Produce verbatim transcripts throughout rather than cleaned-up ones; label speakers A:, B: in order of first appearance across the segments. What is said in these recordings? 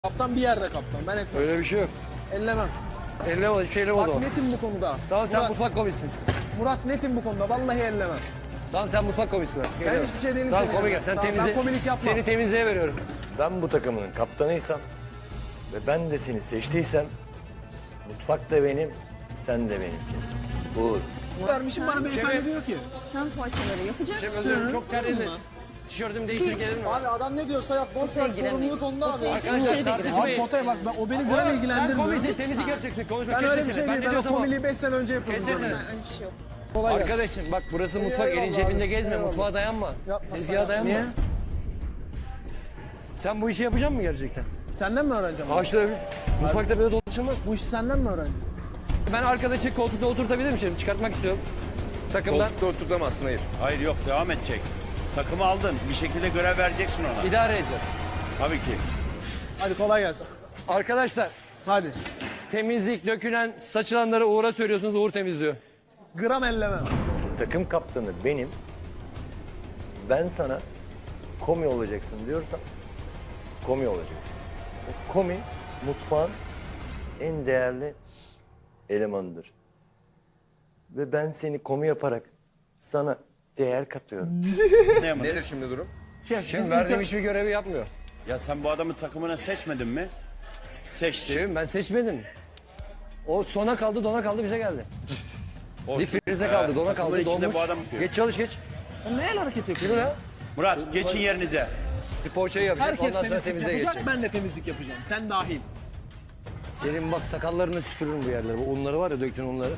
A: Kaptan bir yerde kaptan. Ben etmem.
B: Öyle bir şey yok.
A: Ellemem.
B: Elleme, hiçbir şey elleme o
A: Bak
B: zaman.
A: netim bu konuda.
B: Tamam sen
A: Murat,
B: mutfak komissin.
A: Murat netim bu konuda. Vallahi ellemem.
B: Tamam sen mutfak komissin.
A: Ben hiçbir şey değilim.
B: Tamam
A: senin
B: komik
A: yanında.
B: yap. Sen
A: Tamam,
B: temizle.
A: ben komilik yapmam.
B: Seni temizliğe veriyorum. Ben bu takımın kaptanıysam ve ben de seni seçtiysem mutfak da benim, sen de benimsin. Bu
A: Vermişim bana beyefendi
B: Şefim.
A: diyor ki.
C: Sen poğaçaları yapacaksın.
B: şey özür çok terledi. Tişörtümü değiştir gelir mi?
D: Abi adam ne diyorsa yap. Boş ver,
C: giremeyiz.
D: sorumluluk onda abi.
B: Arkadaşlar
C: şey de
B: tartışmayın.
A: Abi potaya bak ben, o beni gram
B: Sen
A: ilgilendirmiyor.
B: komisin temizlik yapacaksın. Konuşma
A: Ben
B: kes
A: öyle bir
B: sesini.
A: şey değil.
B: ne
A: Ben o
B: diyorsam o.
A: komiliği beş sene önce yapıyordum.
B: Kes sesini.
C: Öyle bir şey yok.
A: Kolay gelsin.
B: Arkadaşım bak burası mutfak, elin
A: Eyvallah
B: cebinde
A: abi,
B: gezme,
A: eyvallah.
B: mutfağa dayanma.
D: Yapma
B: Tezgaha
D: sen.
B: dayanma.
A: Niye?
B: Sen bu işi yapacak mısın gerçekten?
A: Senden mi öğreneceğim?
B: Ağaçta mutfakta böyle dolaşılmaz.
A: Bu işi senden mi öğreneceğim?
B: Ben arkadaşı koltukta oturtabilir miyim şimdi? Çıkartmak istiyorum. Takımdan.
E: Koltukta oturtamazsın, hayır.
F: Hayır yok, devam edecek. Takımı aldın, bir şekilde görev vereceksin ona.
B: İdare edeceğiz.
F: Tabii ki.
A: Hadi kolay gelsin.
B: Arkadaşlar
A: Hadi.
B: temizlik, dökülen, saçılanları Uğur'a söylüyorsunuz, Uğur temizliyor.
A: Gram ellemem.
B: Takım kaptanı benim. Ben sana komi olacaksın diyorsam komi olacaksın. O komi mutfağın en değerli elemanıdır. Ve ben seni komi yaparak sana değer katıyorum.
F: Ne yapmadın?
E: Nedir şimdi durum?
A: Şef,
B: Şimdi
A: biz
B: verdiğim
A: ilk-
B: hiçbir görevi yapmıyor.
F: Ya sen bu adamı takımına seçmedin mi? Seçtin.
B: Şefim ben seçmedim. O sona kaldı, dona kaldı, bize geldi. Bir frize kaldı, dona
F: takımın
B: kaldı,
F: içinde
B: donmuş.
F: bu adam yapıyor.
B: Geç çalış geç.
A: Ya ne el hareketi yapıyor?
B: Yürü lan.
F: Murat, geçin yerinize.
B: Bir poğaçayı yapacak,
A: Herkes
B: ondan sonra
A: temizlik
B: temizliğe
A: yapacak,
B: geçecek.
A: ben de temizlik yapacağım. Sen dahil.
B: Senin bak sakallarını süpürürüm bu yerleri. Bu unları var ya, döktün unları.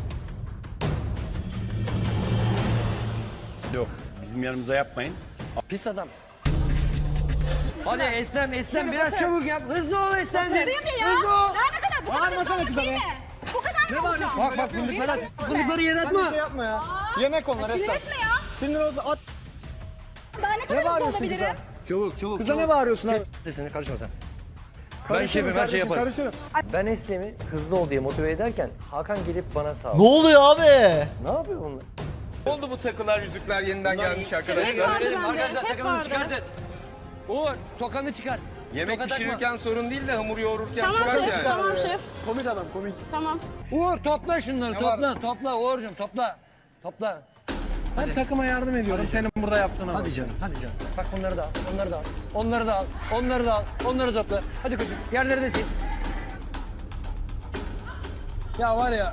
F: Yok, bizim yanımıza yapmayın.
B: Pis adam. Hadi Eslem, Eslem biraz çabuk yap. Hızlı ol Eslemciğim.
G: Duruyor mu ya?
B: Hızlı ol.
G: Daha ne kadar? Bu kadar
A: Bağırmasana
G: zorluk
A: kıza
G: değil
A: be.
G: mi? Bu kadar ne bağırıyorsun?
B: Bak bak fındıkları, fındıkları yere
D: Sen bir
B: atma.
D: şey yapma ya. Yemek onlar
G: Sinir
D: Esra.
G: etme ya.
D: Sinir olsa at.
G: Daha ne kadar hızlı
D: bağırıyorsun
G: olabilirim?
B: Çabuk çabuk.
D: Kıza ne bağırıyorsun abi?
B: Sesini karışma sen. Ben
D: Karışırım
B: şefim, her şey
D: kardeşim,
B: yaparım.
D: karışırım.
B: Ben Eslem'i hızlı ol diye motive ederken Hakan gelip bana sağ
H: Ne oluyor abi?
B: Ne yapıyor bunlar?
E: Ne oldu bu takılar, yüzükler yeniden gelmiş
B: Şöyle
E: arkadaşlar?
B: verelim
G: bende,
B: arkadaşlar,
G: hep
B: takımını
G: vardı.
B: çıkartın. Uğur, tokanı çıkart.
E: Yemek
B: Toka takma.
E: pişirirken sorun değil de hamur yoğururken
G: Tamam
E: çıkart
G: şef,
E: yani.
G: tamam şef.
A: Komik adam komik.
G: Tamam.
B: Uğur topla şunları, topla, topla Uğur'cum topla. Topla.
A: Ben takıma yardım ediyorum senin burada yaptığına bak.
B: Hadi canım, hadi canım. Bak bunları da al, onları da al. Onları da al, onları da al, onları topla. Hadi koçum, yerleri de sil.
A: Ya var ya.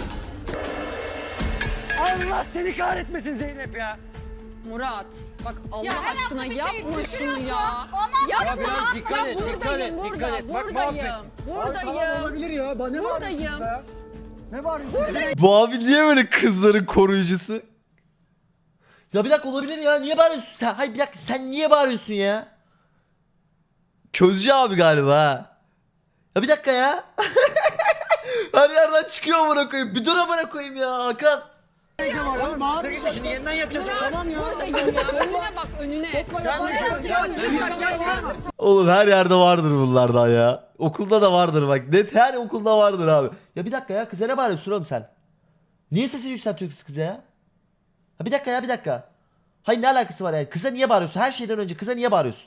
B: Allah seni kahretmesin Zeynep ya.
C: Murat bak Allah
G: Ya her
C: aşkına
G: hafta bir şey
C: yapma şunu
G: düşürüyorsun.
C: ya.
G: Ondan
C: Yapma.
B: Ya biraz dikkat et,
C: Ya
B: dikkat et,
C: buradayım,
B: dikkat et.
C: burada,
B: Bak
C: buradayım.
B: mahvettin.
D: Tamam
C: Buradayım.
D: olabilir ya. Ba- Ne bağırıyorsun
C: Buradayım.
D: kıza ya? Ne bağırıyorsun?
H: Bu abi niye böyle kızların koruyucusu? Ya bir dakika olabilir ya. Niye bağırıyorsun sen? Hayır bir dakika sen niye bağırıyorsun ya? Közcü abi galiba ha. Ya bir dakika ya. Her yerden çıkıyor amına koyayım. Bir dur amına koyayım ya Hakan.
B: Şimdi yeniden yapacağız.
C: Murat buradayım ya. Önüne bak önüne.
D: Sen de
C: Murat ya bak yaşlar mısın?
H: Oğlum her yerde vardır bunlardan ya. Okulda da vardır bak. Net her okulda vardır abi. Ya bir dakika ya kıza ne bağırıyorsun oğlum sen? Niye sesini yükseltiyorsun kıza ya? Ha bir dakika ya bir dakika. Hayır ne alakası var ya? Kıza niye bağırıyorsun? Her şeyden önce kıza niye bağırıyorsun?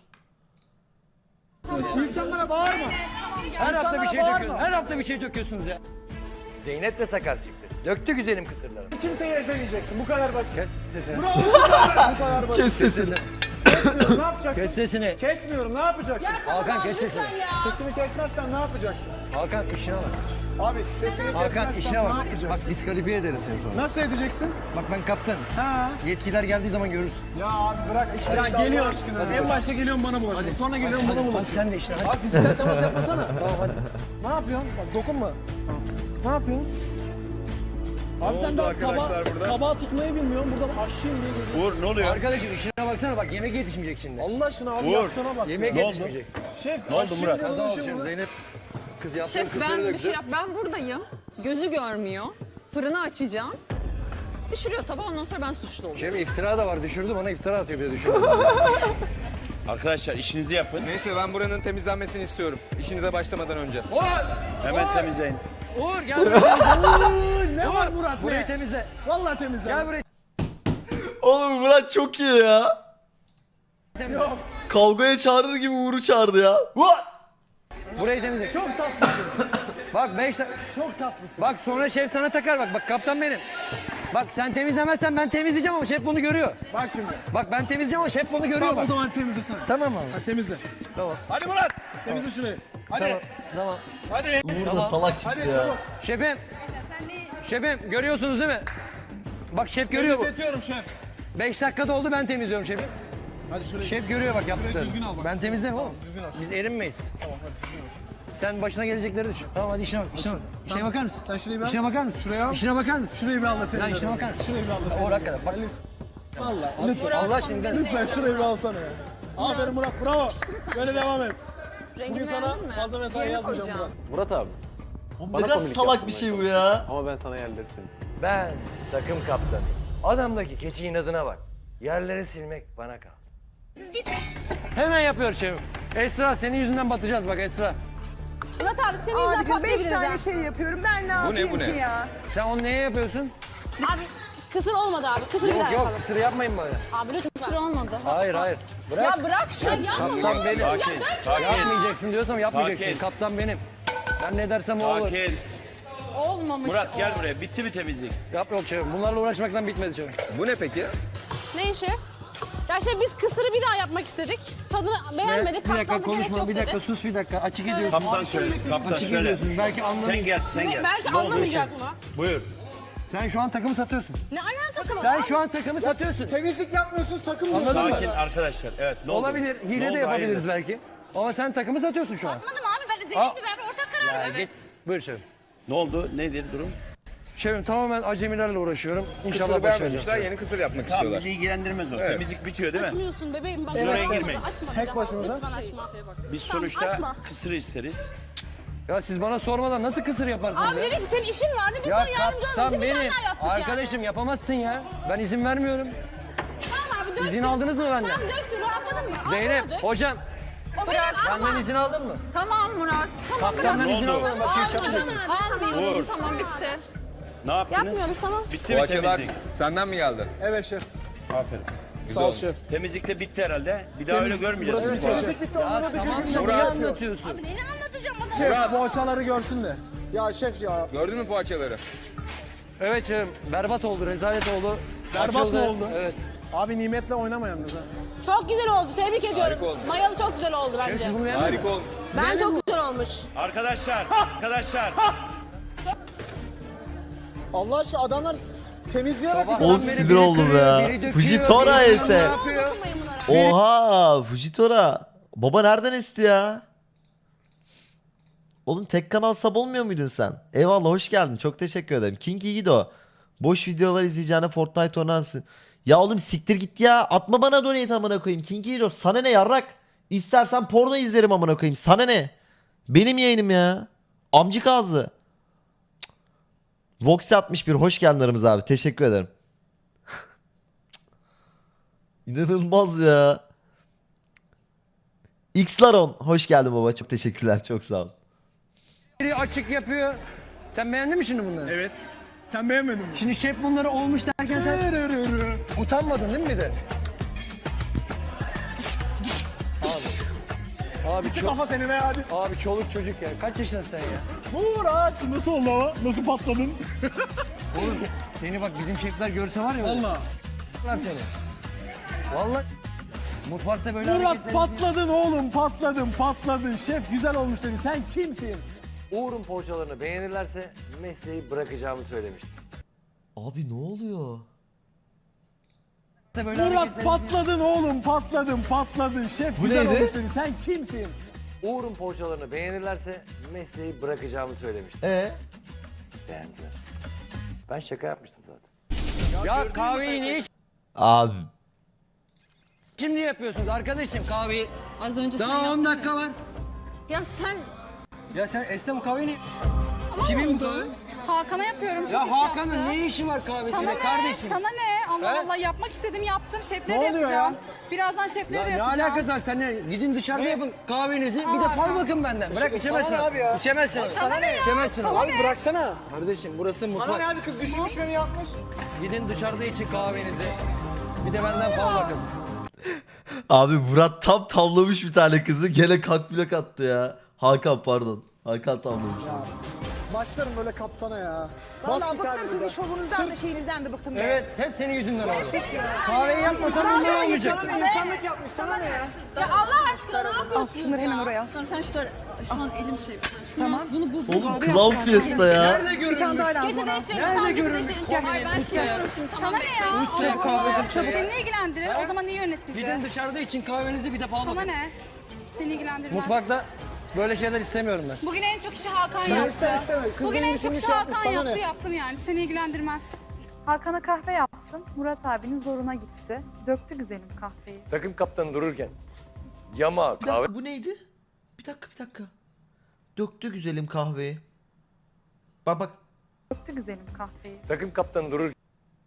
D: İnsanlara bağırma.
B: Her hafta bir şey
D: bağırma.
B: döküyorsunuz. Her hafta bir şey döküyorsunuz ya. Zeynep de sakar çıktı. Döktü güzelim kısırlarını.
D: Kimseyi ezemeyeceksin. Bu kadar basit.
B: Kes sesini.
D: Bravo. Bu kadar basit.
H: Kes sesini.
D: Kesmiyorum, ne yapacaksın?
B: Kes sesini.
D: Kesmiyorum, ne yapacaksın?
B: Hakan kes sesini.
D: Sesini kesmezsen ne yapacaksın?
B: Hakan işine bak.
D: Abi sesini
B: Hakan
D: kesmezsen
B: işine
D: ne
B: bak.
D: yapacaksın?
B: Bak diskalifiye ederim seni sonra.
A: Nasıl edeceksin?
B: Bak ben kaptanım.
D: Ha?
B: Yetkiler geldiği zaman görürsün.
D: Ya abi bırak işleri.
A: Ya
D: Allah
A: geliyor.
D: aşkına.
A: En başta geliyorsun bana bulaşıyorsun. Sonra geliyorsun bana
B: Hadi
A: bulaşıyorsun.
B: sen de işine hadi.
A: Abi fiziksel temas yapmasana. Tamam hadi. Ne yapıyorsun? Bak dokunma. Ne yapıyorsun? Abi sen
E: oldu
A: daha
E: arkadaşlar
A: taba,
E: burada?
A: tabağı tutmayı bilmiyorsun. Burada aşçıyım diye geziyorsun.
F: Uğur ne oluyor?
B: Arkadaşım işine baksana bak yemek yetişmeyecek şimdi.
A: Allah aşkına abi
F: Uğur,
A: yaptığına bak.
B: Yemek
F: Ne oldu?
B: yetişmeyecek.
A: Şef
F: Ne oldu
A: aşçıyım
F: Murat?
A: diye
B: Kaza
A: dolaşıyor
B: olacağım
A: burada.
B: Zeynep. Kız yaptı
C: Şef
B: kısırı
C: ben bir
B: döktü.
C: şey yap. Ben buradayım. Gözü görmüyor. Fırını açacağım. Düşürüyor tabağı ondan sonra ben suçlu oluyorum.
B: Şef iftira da var düşürdü bana iftira atıyor bir de düşürdü.
F: Arkadaşlar işinizi yapın.
E: Neyse ben buranın temizlenmesini istiyorum. İşinize başlamadan önce.
B: Uğur!
F: Hemen temizleyin.
B: Uğur gel burayı temizle.
A: Ne var Murat
B: Burayı
A: ne?
B: temizle.
A: Vallahi temizle.
B: Gel burayı
H: Oğlum Murat çok iyi ya.
B: temizle.
H: Kavgaya çağırır gibi Uğur'u çağırdı ya. What?
I: Burayı temizle.
A: Çok tatlısın.
I: Bak beş dakika.
A: Çok tatlısın.
I: Bak sonra şef sana takar bak. Bak kaptan benim. Bak sen temizlemezsen ben temizleyeceğim ama şef bunu görüyor.
A: Bak şimdi.
I: Bak ben temizleyeceğim ama şef bunu görüyor
A: Tamam o
I: bak.
A: zaman temizle sen.
I: Tamam abi.
A: Hadi temizle.
I: Tamam.
D: Hadi Murat.
A: Temizle şurayı.
D: Hadi.
I: Tamam.
D: Hadi.
H: Uğur da salak çıktı
D: Hadi
H: ya.
D: çabuk.
I: Şefim. Şefim görüyorsunuz değil mi? Bak şef görüyor bu.
A: Temizletiyorum şef.
I: Beş dakikada oldu ben temizliyorum şefim.
A: Hadi şurayı.
I: Şef görüyor bak yaptıklarını.
A: düzgün al bak.
I: Ben temizlerim oğlum.
A: Düzgün al.
I: Biz erinmeyiz.
A: Tamam hadi düzgün ol.
I: Sen başına gelecekleri düşün. Tamam hadi işine bak. İşine bak. İşine bakar mısın?
A: Sen şurayı bir al.
I: İşine bakar mısın?
A: Şuraya al.
I: İşine bakar mısın?
A: Şurayı bir al da seni.
I: Ya işine
A: göreyim.
I: bakar mısın?
A: Şurayı bir al da seni.
I: Doğru hakikaten. Bak.
A: Valla lütfen.
I: Allah aşkına.
A: Lütfen şurayı bir alsana ya. Aferin Murat bravo. Böyle devam et.
C: Rengini
A: Bugün sana
C: beğendin mi?
A: fazla mesai
C: Diğerini
A: yazmayacağım
C: koyacağım.
A: Murat.
J: Murat abi.
H: Oğlum
J: Bana
H: ne kadar
J: komik
H: salak
J: yaptın
H: bir
J: ben.
H: şey bu ya.
J: Ama ben sana yerleri sildim.
B: Ben takım kaptanıyım. Adamdaki keçi inadına bak. Yerleri silmek bana kaldı.
I: Hemen yapıyoruz şefim. Esra senin yüzünden batacağız bak Esra.
G: Murat abi senin yüzünden
K: Abicim beş
G: patlayabiliriz
K: tane
G: ha.
K: şey yapıyorum. Ben ne
E: Bu ne,
K: yapayım
E: bu ne?
K: ki ya?
I: Sen onu neye yapıyorsun?
G: Abi kısır olmadı abi. Kısır bir daha
I: Yok yok
G: yapalım.
I: sırı yapmayın böyle.
G: Abi lütfen.
C: Kısır olmadı.
I: Hayır hayır.
C: Ya bırak şunu yapma.
I: Kaptan benim.
F: Sakin, sakin.
I: Yapmayacaksın diyorsam yapmayacaksın.
F: Sakin.
I: Kaptan benim. Ben ne dersem o olur.
F: Sakin.
C: Olmamış.
F: Murat gel buraya. Bitti mi temizlik?
I: Yap yok şefim. Bunlarla uğraşmaktan bitmedi şefim.
E: Bu ne peki?
G: Ne işi? Ya şey biz kısırı bir daha yapmak istedik. Tadını beğenmedik.
I: Bir dakika
G: katlandı, gerek
I: konuşma.
G: yok
I: Bir dakika
G: dedi.
I: sus bir dakika. Açık ediyorsun.
F: Kaptan söyle. Kaptan
I: Açık
F: söyle.
I: ediyorsun. Belki anlamayacak.
F: Sen gel, sen gel.
G: Belki
F: Ne oldu
G: anlamayacak
F: şey?
G: mı?
F: Buyur.
I: Sen şu an takımı satıyorsun.
G: Ne alakası var?
I: Sen
G: abi?
I: şu an takımı satıyorsun.
A: Temizlik yapmıyorsunuz takım mı?
I: Anladın mı?
F: Sakin arkadaşlar. Evet ne oldu?
I: Olabilir.
F: Ne
I: Hile
F: oldu?
I: de yapabiliriz
F: Hayırdır?
I: belki. Ama sen takımı satıyorsun şu an.
G: Anladım abi ben
I: Aa.
G: Zeynep'le beraber ortak karar
I: Ya
G: verdik.
I: git. Buyur şefim.
F: Ne oldu? Nedir durum?
I: Şefim tamamen acemilerle uğraşıyorum. İnşallah
E: Kısırı
I: başaracağız.
E: beğenmemişler, yeni kısır yapmak
F: Tamam
E: istiyorlar.
F: bizi ilgilendirmez o.
E: Evet.
F: Temizlik bitiyor değil mi?
G: Açmıyorsun bebeğim. Bak,
F: Oraya
G: açma,
F: girmeyin.
G: açma bir
A: Tek
G: daha.
A: başımıza.
G: Lütfen açma.
F: Biz
G: Tamam,
F: sonuçta
G: açma.
F: kısır isteriz.
I: Ya siz bana sormadan nasıl kısır yaparsınız
G: Abi
I: ya?
G: dedik ki senin işin vardı biz
I: Ya
G: sana yardımcı olmak
I: kaptan
G: için bir tane
I: benim.
G: daha yaptık
I: Arkadaşım yapamazsın ya. Ben izin vermiyorum.
G: yani. Tamam abi döktün.
I: İzin aldınız mı benden?
G: Tamam döktün rahatladın mı? Al
I: Zeynep,
G: bunu dök.
I: hocam
G: O bırak.
I: benden izin aldın mı?
C: Tamam Murat. Tamam.
I: Kaptandan izin
F: oldu?
I: almadım. Bak hiç yapmıyorsun.
C: Almıyorum.
F: Vur.
C: Tamam bitti.
F: Ne yaptınız?
G: Yapmıyoruz tamam.
F: Bitti mi
E: Poğaçalar
F: temizlik?
E: senden mi geldi?
A: Evet şef.
F: Aferin.
A: Sağ ol şef.
F: Temizlik de bitti herhalde. Bir daha öyle
A: Burası
F: görmeyeceğiz.
A: bitti. Temizlik bitti.
I: Ya
A: Onlara da
I: tamam
A: gırgır
I: da
A: şaka
I: niye
A: yapıyor.
I: anlatıyorsun?
G: Abi neyini anlatacağım bana?
A: Şef poğaçaları görsün de. Ya şef ya.
E: Gördün mü poğaçaları?
I: Evet şefim berbat oldu, rezalet oldu.
A: Berbat
I: Açıldı.
A: mı oldu?
I: Evet.
A: Abi nimetle oynama yalnız ha.
G: Çok güzel oldu. Tebrik ediyorum.
E: Harika olmuş.
G: Mayalı çok güzel oldu
I: Şefim
G: bence.
I: siz bunu beğendiniz mi?
E: Harika olmuş.
G: Ben çok güzel olmuş.
F: Arkadaşlar, arkadaşlar.
A: Allah aşkına adamlar temizleyerek
I: Sabah-
H: Oğlum
I: Biri
H: sinir
I: biri
H: oldum
I: kırıyor,
H: ya.
I: biri döküyor,
H: Fujitora
I: biri
H: ese.
I: yapıyor.
G: Dokunmayın bunlara.
H: Oha Fujitora. Baba nereden esti ya? Oğlum tek kanal sub olmuyor muydun sen? Eyvallah hoş geldin. Çok teşekkür ederim. King Gido. Boş videolar izleyeceğine Fortnite oynarsın. Ya oğlum siktir git ya. Atma bana donate amına koyayım. King Gido sana ne yarrak? İstersen porno izlerim amına koyayım. Sana ne? Benim yayınım ya. Amcık ağzı. Voxy altmış bir hoş geldin aramıza abi. Teşekkür ederim. İnanılmaz ya. Xlaron hoş geldin baba. Çok teşekkürler. Çok sağ ol.
I: Biri açık yapıyor. Sen beğendin mi şimdi bunları?
A: Evet. Sen beğenmedin mi?
I: Şimdi şef bunları olmuş derken sen utanmadın değil mi bir de? Abi. Abi çok
A: Kafa seni be hadi.
I: abi çoluk çocuk ya. Kaç yaşındasın sen ya?
A: Murat nasıl oldu ama? Nasıl patladın?
I: Oğlum seni bak bizim şefler görse var ya.
A: Valla.
I: Lan seni. Vallahi mutfakta böyle
A: Murat
I: hareketlerinizi-
A: patladın oğlum patladın patladın. Şef güzel olmuş dedi. Sen kimsin?
B: Uğur'un poğaçalarını beğenirlerse mesleği bırakacağımı söylemiştim.
H: Abi ne oluyor?
I: böyle
A: Murat
I: hareketlerinizi-
A: patladın oğlum patladın patladın. Şef
H: Bu
A: güzel
H: neydi?
A: olmuş dedi. Sen kimsin?
B: Uğur'un poğaçalarını beğenirlerse mesleği bırakacağımı söylemiştim.
H: E
B: Beğendiler. Ben şaka yapmıştım zaten.
I: Ya kahveyi niye
H: abi
I: şimdi yapıyorsunuz arkadaşım kahveyi?
C: Az önce sen
I: Daha on
C: yaptın
I: dakika
C: ya.
I: var.
C: Ya sen
I: Ya sen Esra bu kahveyi niye?
C: tamam
I: Kimin
C: oldu.
G: Hakan'a yapıyorum. Çok
I: Ya
G: iş
I: Hakan'ın
G: yaptı.
I: ne işi var
G: Sana
I: kahvesiyle
G: ne?
I: kardeşim?
G: Sana ne? Allah
I: He?
G: Allah yapmak istedim yaptım. Şefleri
A: Ne
G: de
A: oluyor
G: yapacağım.
A: ya?
G: Birazdan şefleri
I: Ya
G: de
I: ne
G: yapacağım.
I: alakası var seninle? Gidin dışarıda yapın kahvenizi. Bir de
G: Aa,
I: fal
G: tamam.
I: bakın benden. Bırak içemezsin.
A: sana ne abi ya?
I: İçemezsin.
G: Sana ne ya?
I: İçemezsin.
G: Sana
I: Abi
G: ne?
A: Bıraksana.
I: Kardeşim burası
A: Sana
I: mutfak.
A: ne abi kız düşünmüş beni yapmış.
I: Gidin dışarıda için kahvenizi. Bir de benden fal bakın.
H: abi Murat tam tavlamış bir tane kızı gene kalk blok attı ya. Hakan pardon. Hakan tamamlamış.
D: Ya, başlarım böyle kaptana ya. Bas
A: Vallahi
D: git
A: bıktım sizin
D: harbiden.
A: şovunuzdan da şeyinizden de bıktım.
I: Evet hep senin yüzünden oldu. Kahveyi yapmasan bunları olmayacaksın.
D: Sana insanlık yapmış sana ne ya?
G: Ya Allah aşkına ne yapıyorsun?
C: Al şunları hemen oraya. Tamam sen şunları... Şu an elim şey. Şunu tamam. Bunu bu. bu.
H: Oğlum Clown Fiesta ya.
I: Nerede görülmüş?
G: Getir değiştirelim.
I: Nerede
G: Tamam, getir
I: görülmüş
G: değiştirelim.
C: Hayır ben seviyorum şimdi. Tamam
G: Sana ne ya?
I: Üstelik kahveci çabuk.
G: Seni ne ilgilendirir? O zaman niye yönet bizi?
I: Gidin dışarıda için kahvenizi bir defa
G: Sana
I: bakın.
G: ne? Seni ilgilendirmez.
I: Mutfakta böyle şeyler istemiyorum ben.
G: Bugün en çok işi Hakan
D: Sen
G: yaptı.
D: iste isteme. Kız
G: Bugün
D: benim
G: en
D: işimi
G: çok işi
D: şey yapmış,
G: Hakan
D: sana
G: yaptı
D: ne?
G: yaptım yani. Seni ilgilendirmez.
J: Hakan'a kahve yaptım. Murat abinin zoruna gitti. Döktü güzelim kahveyi.
B: Takım kaptanı dururken yama
H: Bir
B: kahve
H: dakika bu neydi? Bir dakika bir dakika. Döktü güzelim kahveyi. Bak bak.
J: Döktü güzelim kahveyi.
B: takım kaptanı dururken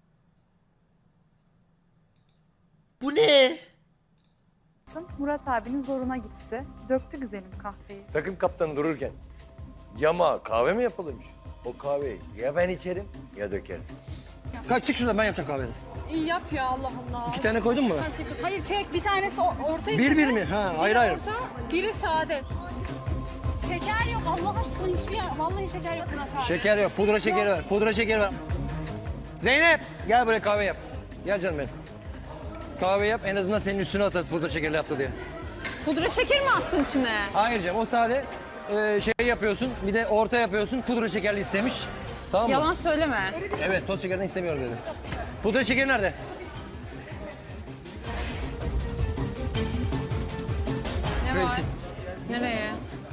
H: Bu ne?
J: Murat abinin zoruna gitti. Döktü güzelim kahveyi.
B: takım kaptanı dururken yama kahve mi yapılırmış? O kahveyi ya ben içerim ya dökerim.
I: Kalk çık şuradan ben yapacağım kahveyi.
G: İyi yap ya Allah Allah.
I: İki tane koydun mu?
G: Her şey- Hayır tek bir tanesi o- orta
I: Bir bir mi? Ha ayrı
G: Biri
I: ayrı.
G: orta, biri sade. Şeker yok Allah aşkına hiçbir yer. Vallahi şeker yok Murat abi.
I: Şeker yok. Pudra şekeri ver. Pudra şekeri ver. Zeynep gel buraya kahve yap. Gel canım benim. Kahve yap en azından senin üstüne atarız pudra şekerli yaptı diye.
C: Pudra şeker mi attın içine?
I: Hayır canım o sade e, şey yapıyorsun bir de orta yapıyorsun pudra şekerli istemiş. Tamam mı?
C: Yalan söyleme.
I: Evet toz şekerini istemiyorum dedi. Pudra şekeri nerede?
C: Ne
I: Şuraya
C: var?
I: sil.
C: Nereye?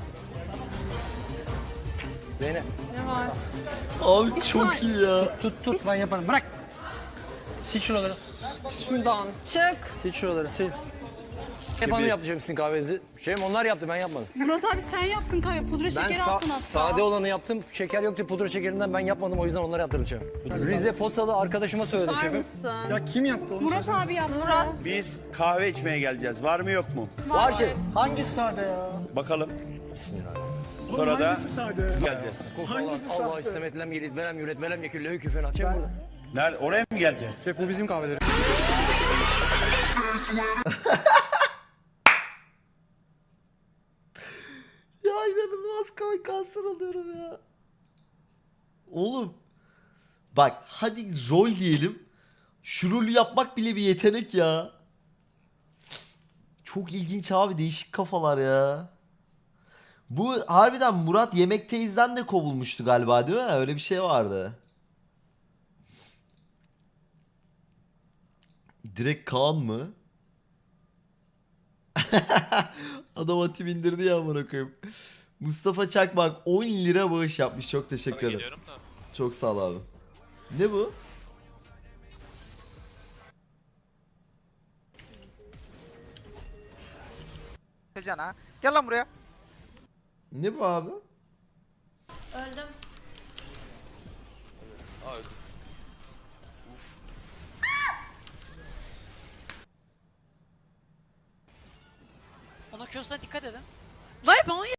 I: Zeynep
C: Ne var?
H: Abi çok iyi ya.
I: tut tut ben yaparım bırak. Sil şuraları.
C: Şuradan çık.
I: Sil şuraları sil. Hep hanım yapacağım sizin kahvenizi. Şeyim onlar yaptı ben yapmadım.
G: Murat abi sen yaptın kahve. Pudra
I: Ben
G: şekeri
I: sa-
G: attın hatta.
I: sade olanı yaptım. Şeker yoktu pudra şekerinden ben yapmadım o yüzden onları yaptırdım şefim. Rize Fosalı arkadaşıma söyledim
C: Var
I: şefim.
C: mısın?
D: Ya kim yaptı onu?
G: Murat
D: söyle.
G: abi yaptı.
C: Murat.
F: Biz kahve içmeye geleceğiz. Var mı yok mu?
I: Var şefim.
D: Hangisi sade ya?
F: Bakalım.
D: Oğlum
F: Sonra da
D: hangisi sade ya?
F: geleceğiz.
D: Hangisi
I: Allah
D: sahte?
I: istemet lem yelit verem yüret verem yekül lehü küfen açayım burada.
F: Nerede? Oraya mı geleceğiz?
E: Şef bu bizim kahveleri.
H: Ya inanılmaz komik kanser oluyorum ya. Oğlum. Bak hadi rol diyelim. Şu rolü yapmak bile bir yetenek ya. Çok ilginç abi değişik kafalar ya. Bu harbiden Murat Yemekteyiz'den de kovulmuştu galiba değil mi? Öyle bir şey vardı. Direkt Kaan mı? Adam atı bindirdi ya amına koyayım. Mustafa Çakmak on lira bağış yapmış. Çok teşekkür ederim. Çok sağ ol abi. Ne bu?
A: Cana. Gel lan buraya.
H: Ne bu abi?
G: Öldüm.
K: Ona Q'suna dikkat edin. Lan ben